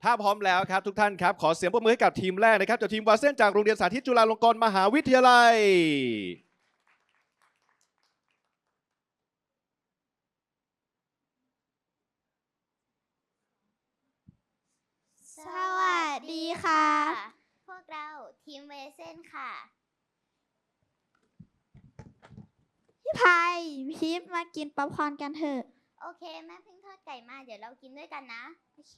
ถ้าพร้อมแล้วครับทุกท่านครับขอเสียงปรบมือให้กับทีมแรกนะครับจากทีมวาเส้นจากโรงเรียนสาธิตจุฬาลงกรณ์มหาวิทยาลัยสวัสดีค่ะ พวกเราทีมเวเซนค่ะพี่พายพีฟมากินป๊อปคอร์นกันเถอะโอเคแม่เพิ่งทอดไก่มาเดี๋ยวเรากินด้วยกันนะโอเค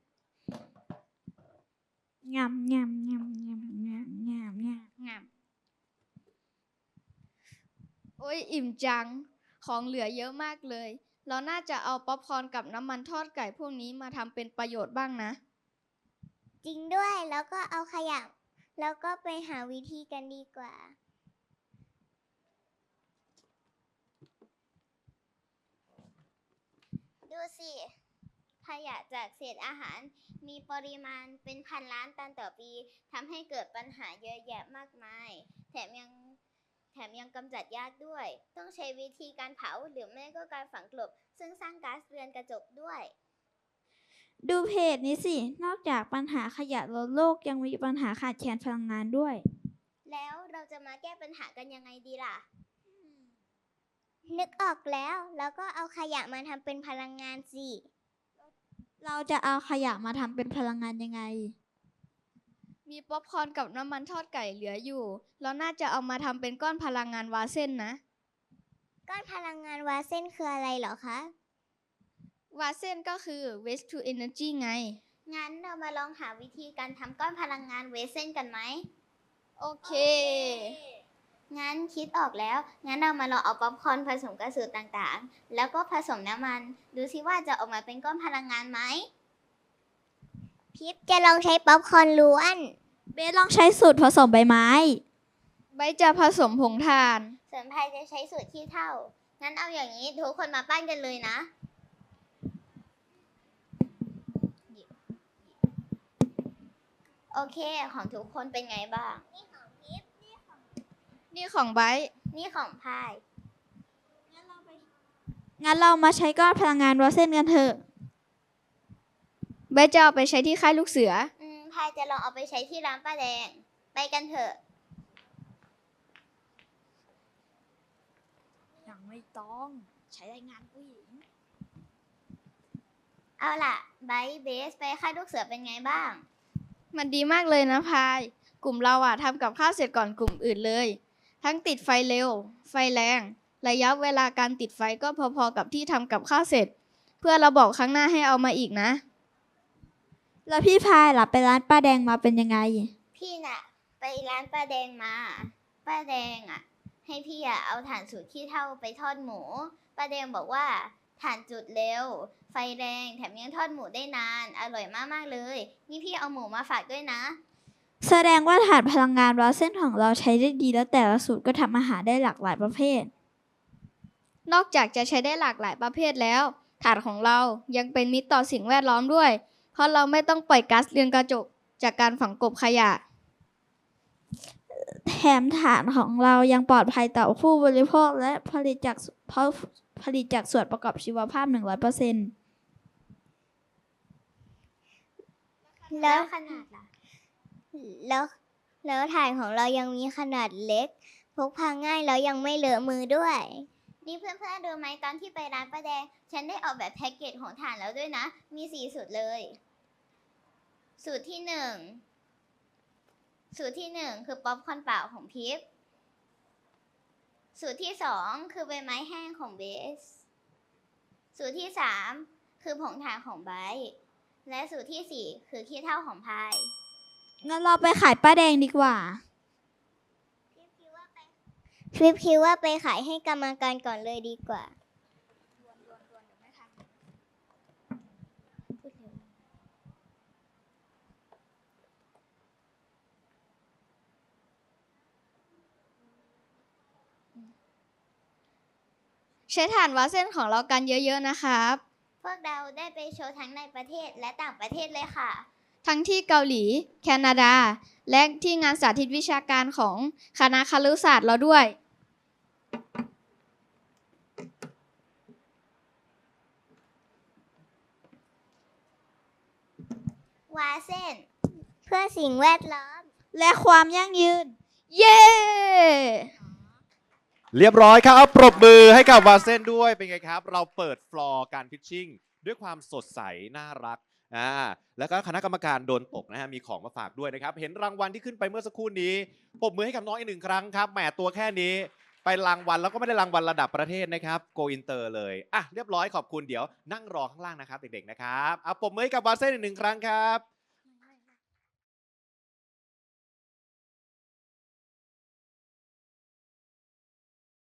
งำงำงำงำงำงำงำโอ้ยอิ่มจัง ของเหลือเยอะมากเลย เราน่าจะเอาป๊อปคอร์นกับน้ำมันทอดไก่พวกนี้มาทำเป็นประโยชน์บ้างนะจริงด้วยแล้วก็เอาขยะแล้วก็ไปหาวิธีกันดีกว่า ดูสิขยะจากเศษอาหารมีปริมาณเป็นพันล้านตันต่อปีทำให้เกิดปัญหาเยอะแยะมากมาย แถมยังกำจัดยากด้วย ต้องใช้วิธีการเผาหรือไม่ก็การฝังกลบ ซึ่งสร้างก๊าซเรือนกระจกด้วยดูเพจนี้สิ นอกจากปัญหาขยะลดโลกยังมีปัญหาขาดแคลนพลังงานด้วยแล้วเราจะมาแก้ปัญหากันยังไงดีล่ะ นึกออกแล้วก็เอาขยะมาทำเป็นพลังงานสิเราจะเอาขยะมาทำเป็นพลังงานยังไงมีป๊อปคอร์นกับน้ำมันทอดไก่เหลืออยู่ เราน่าจะเอามาทำเป็นก้อนพลังงานวาเส้นนะก้อนพลังงานวาเส้นคืออะไรเหรอคะวาเส้นก็คือ waste to energy ไงงั้นเรามาลองหาวิธีการทำก้อนพลังงานเวเซนกันไหมโอเคงั้นคิดออกแล้ว งั้นเรามาลองเอาป๊อปคอร์นผสมกับสูตรต่างๆ แล้วก็ผสมน้ำมัน ดูซิว่าจะออกมาเป็นก้อนพลังงานไหม พิปจะลองใช้ป๊อปคอร์นล้วนเบสลองใช้สูตรผสมใบไม้ใบจะผสมผงถ่านส่วนพายจะใช้สูตรขี้เถ้า งั้นเอาอย่างนี้ทุกคนมาปั้นกันเลยนะ โอเค ของทุกคนเป็นไงบ้าง นี่ของพิปนี่ของใบนี่ของพายงั้นเรามาใช้ก้อนพลังงานวาเส้นกันเถอะใบจะเอาไปใช้ที่ค่ายลูกเสือพายจะลองเอาไปใช้ที่ร้านป้าแดง ไปกันเถอะยังไม่ต้องใช้แรงงานผู้หญิงเอาล่ะไบเบสไปค่ายลูกเสือเป็นไงบ้างมันดีมากเลยนะพาย กลุ่มเราทำกับข้าวเสร็จก่อนกลุ่มอื่นเลย ทั้งติดไฟเร็ว ไฟแรง ระยะเวลาการติดไฟก็พอๆกับที่ทำกับข้าวเสร็จ เพื่อเราบอกครั้งหน้าให้เอามาอีกนะแล้วพี่พายล่ะไปร้านป้าแดงมาเป็นยังไงพี่น่ะ ไปร้านป้าแดงมา ป้าแดงให้พี่เอาถ่านสูตรขี้เถ้าไปทอดหมู ป้าแดงบอกว่าถ่านจุดเร็ว ไฟแรงแถมยังทอดหมูได้นาน อร่อยมากๆเลย นี่พี่เอาหมูมาฝากด้วยนะแสดงว่าถาดพลังงานวาเส้นของเราใช้ได้ดีแล้วแต่ละสูตรก็ทำอาหารได้หลากหลายประเภทนอกจากจะใช้ได้หลากหลายประเภทแล้วถ่านของเรายังเป็นมิตรต่อสิ่งแวดล้อมด้วย เพราะเราไม่ต้องปล่อยก๊าซเรือนกระจกจากการฝังกลบขยะแถมฐานของเรายังปลอดภัยต่อผู้บริโภคและผลิตจากส่วนประกอบชีวภาพ 100% แล้วขนาดล่ะแล้วถ่านของเรายังมีขนาดเล็ก พกพาง่ายแล้วยังไม่เลอะมือด้วย นี่เพื่อนๆดูไหมตอนที่ไปร้านป้าแดง ฉันได้ออกแบบแพ็กเกจของถ่านแล้วด้วยนะ มี4สูตรเลย สูตรที่1คือป๊อปคอร์นเปล่าของพิฟสูตรที่2คือใบไม้แห้งของเบส สูตรที่3คือผงถ่านของไบร์ทและสูตรที่4คือขี้เถ้าของพายงั้นเราไปขายป้าแดงดีกว่าฟลิปคิดว่าไปขายให้กรรมการก่อนเลยดีกว่าใช้ถ่านวาเส้นของเรากันเยอะๆนะครับพวกเราได้ไปโชว์ทั้งในประเทศและต่างประเทศเลยค่ะทั้งที่เกาหลี แคนาดา และที่งานสาธิตวิชาการของคณะครุศาสตร์เราด้วยววาเส้นเพื่อสิ่งแวดล้อมและความยั่งยืนเย้เรียบร้อยครับเอาปรบมือให้กับวาเซนด้วยเป็นไงครับ เราเปิดฟลอร์การพิชชิ่งด้วยความสดใสน่ารักแล้วก็คณะกรรมการโดนตกนะฮะมีของมาฝากด้วยนะครับ เห็นรางวัลที่ขึ้นไปเมื่อสักครู่นี้ปรบมือให้กับน้องอีก1 ครั้งครับแหมตัวแค่นี้ไปรางวัลแล้วก็ไม่ได้รางวัลระดับประเทศนะครับโกอินเตอร์เลยอ่ะเรียบร้อยขอบคุณเดี๋ยวนั่งรอข้างล่างนะครับเด็กๆนะครับเอาปรบมือให้กับวาเซนอีก1 ครั้งครับ